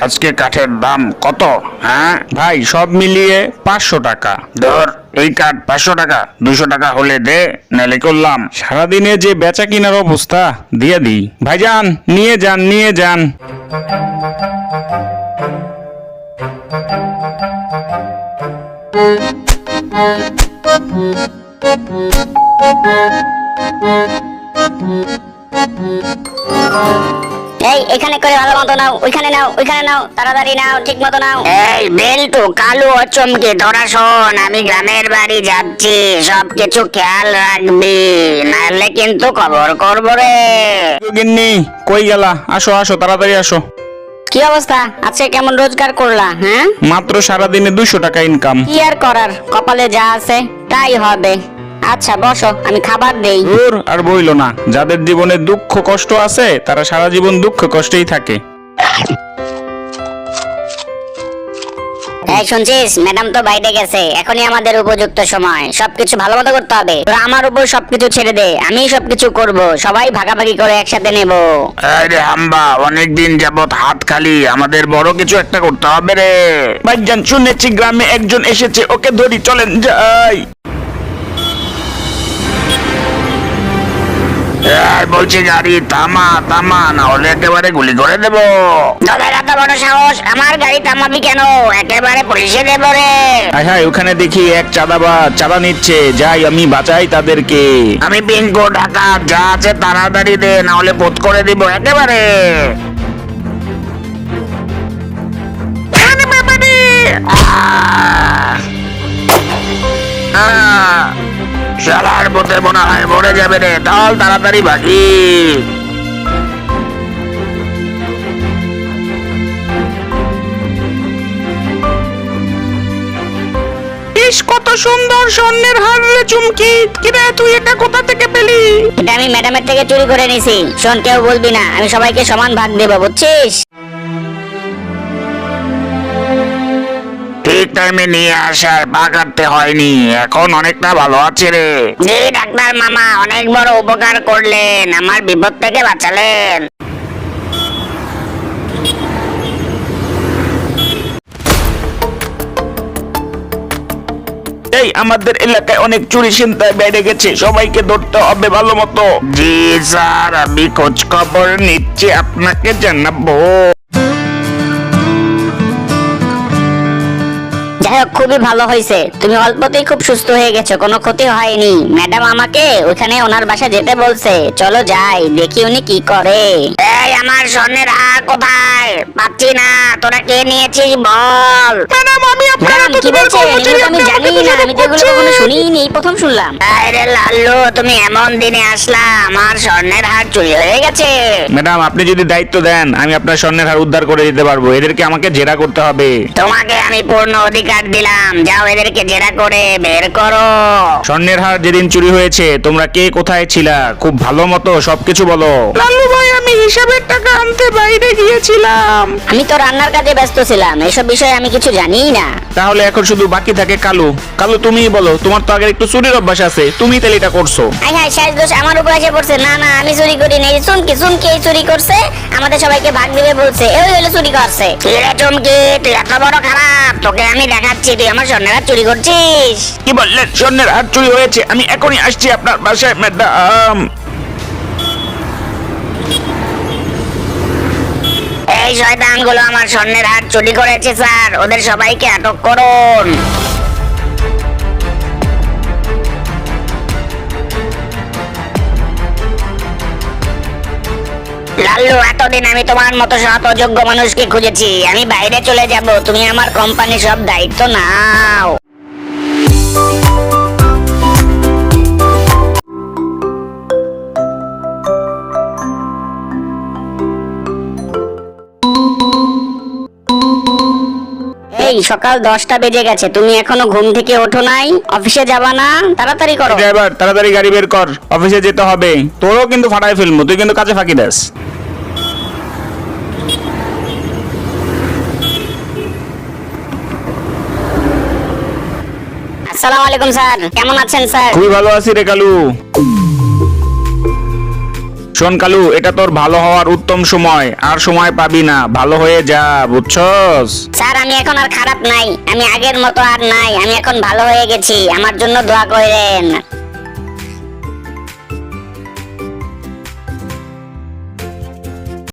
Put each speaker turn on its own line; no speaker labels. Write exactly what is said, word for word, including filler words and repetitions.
আজকে কাঠের দাম কত? হ্যাঁ
ভাই সব মিলিয়ে পাঁচশো টাকা।
ধর এই কাঠ পাঁচশো টাকা, দুশো টাকা হলে দে, নালে করলাম।
সারাদিনে যে বেচা কিনার অবস্থা, দিয়ে দিই। ভাইজান নিয়ে যান নিয়ে যান।
এই এখানে করে ভালো মতো নাও, ওইখানে নাও, ওইখানে নাও, তাড়াতাড়ি নাও, ঠিক মতো নাও।
এই বেল্টু, কালু ও চমকে তোরা শোন, আমি গ্রামের বাড়ি যাচ্ছি, সবকিছু খেয়াল রাখবি, নাহলে কিন্তু খবর করবো রে।
গিন্নি কই গেলা? আসো আসো তাড়াতাড়ি আসো।
কি অবস্থা? আজকে কেমন রোজগার করলা? হ্যাঁ,
মাত্র সারাদিনে দুইশো টাকা ইনকাম।
কি আর করার, কপালে যা আছে তাই হবে। আচ্ছা বসো, আমি খাবার দেই।
দূর আর বইলো না, যাদের জীবনে দুঃখ কষ্ট আছে তারা সারা জীবন দুঃখ কষ্টেই থাকে।
এই শুনছিস, ম্যাডাম তো বাইরে গেছে, এখনই আমাদের উপযুক্ত সময়, সবকিছু ভালো মতো করতে হবে। তোরা আমার উপর সবকিছু ছেড়ে দে, আমি সবকিছু করব, সবাই ভাগাভাগি করে একসাথে নেব।
আরে হাম্বা, অনেকদিন যাবত হাত খালি, আমাদের বড় কিছু একটা করতে হবে রে।
ভাইজান শুনেছি গ্রামে একজন এসেছে, ওকে ধরি, চলেন যাই।
এই বলছি গাড়ি থামা থামা, না হলে একেবারে গুলি করে দেবো।
তোদের এত বড় সাহস, আমার গাড়ি থামাবি কেন? একেবারে পুলিশে দেবো রে।
হায় হায়, ওখানে দেখি এক চাঁদাবাজ চাঁদা নিচ্ছে, যাই আমি বাঁচাই তাদেরকে।
আমি পিঙ্কো ঢাকা, যা আছে তাড়াতাড়ি দে, না হলে বোধ করে দিব একেবারে। আরে বাবা রে! আহ! আহ! শালার পথে মনে হয় মরে যাবে রে, চল তাড়াতাড়ি ভাগি।
ইস কত সুন্দর স্বর্ণের হার রে চুমকি, কিরে তুই এটা কোথা থেকে পেলি?
এটা আমি ম্যাডামের থেকে চুরি করে নিছি। শোন, কেউ বলবি না, আমি সবাইকে সমান ভাগ দেব, বুঝছিস?
ঠিক টাইমে নিয়ে আসার পা কাটতে হয়নি, এখন অনেকটা ভালো আছে রে।
জি ডাক্তার মামা, অনেক বড় উপকার করলেন, আমার বিপদ থেকে বাঁচালেন।
এই আমাদের এলাকায় অনেক চুরি ছিনতাই বেড়ে গেছে, সবাইকে ধরতে হবে ভালো মতো।
জি স্যার, আমি খোঁজ খবর নিচ্ছি, আপনাকে জানাবো।
যাই হোক, খুবই ভালো হয়েছে, তুমি অল্পতেই খুব সুস্থ হয়ে গেছো, কোনো ক্ষতি হয়নি। ম্যাডাম আমাকে ওখানে ওনার বাসা যেতে বলছে, চলো যাই, দেখি উনি কি করে।
এই আমার স্বর্ণের হার কোথায়? পাচ্ছি না, তোরা কে নিয়েছিস বল।
ম্যাডাম আমি
ম্যাডাম কি বলছে? এগুলো তো আমি জানি না, আমি তো এগুলো কখনো শুনিনি, এই প্রথম শুনলাম।
আরে লাল্লু, তুমি এমন দিনে আসলা, আমার স্বর্ণের হার চুরি হয়ে গেছে।
ম্যাডাম আপনি যদি দায়িত্ব দেন, আমি আপনার স্বর্ণের হার উদ্ধার করে দিতে পারবো। এদেরকে আমাকে জেরা করতে হবে।
তোমাকে আমি পূর্ণ অধিকার দিলাম, যাও এদেরকে জেরা করে বের করো।
স্বর্ণের হার যেদিন চুরি হয়েছে তোমরা কে কোথায় ছিলা, খুব ভালো মতো সবকিছু বলো। লালু ভাই, আমি হিসাবের টাকা আনতে বাইরে গিয়েছিলাম।
আমি তো রান্নার কাজে ব্যস্ত ছিলাম, এসব বিষয়ে আমি কিছু জানিই না।
তাহলে এখন শুধু বাকি থাকে কালু। কালু তুমিই বলো, তোমার তো আগে একটু চুরির অভ্যাস আছে, তুমি তাহলে এটা করছো।
হাই হাই, শেষ দোষ আমার উপর এসে পড়ছে। না না, আমি চুরি করি নাই। শুনকি শুনকি এই চুরি করছে, আমাদের সবাইকে ভাগ দিবে বলছে, এই হলো চুরি করছে।
কি রে চমকি, তুই এত বড় খারাপ, তোকে আমি দেখাচ্ছি, তুই আমার স্বর্ণের হার চুরি করছিস।
কি বললেন? স্বর্ণের হার চুরি হয়েছে? আমি এখনই আসছি আপনার বাসায় ম্যাডাম।
এই শয়তানগুলো আমার স্বর্ণের হার চুরি করেছে স্যার, ওদের সবাইকে আটক করুন। লাল্লু, এতদিন আমি তোমার মতো সৎ ও যোগ্য মানুষকে খুঁজেছি, আমি বাইরে চলে যাব, তুমি আমার কোম্পানি সব দায়িত্ব নাও।
এই সকাল দশটা বেজে গেছে, তুমি এখনো ঘুম থেকে ওঠো নাই? অফিসে যাবা না? তাড়াতাড়ি করো।
ড্রাইভার তাড়াতাড়ি গাড়ি বের কর, অফিসে যেতে হবে। তোরও কিন্তু ফাটাই ফেলবো, তুই কিন্তু কাজে ফাঁকি দাস।
আসসালামু আলাইকুম স্যার, কেমন আছেন স্যার?
খুবই ভালো আছি রে কালু। শোন কালু, এটা তোর ভালো হওয়ার উত্তম সময়, আর সময় পাবি না, ভালো হয়ে যা, বুঝছস?
স্যার আমি এখন আর খারাপ নাই, আমি আগের মতো আর নাই, আমি এখন ভালো হয়ে গেছি, আমার জন্য দোয়া করেন।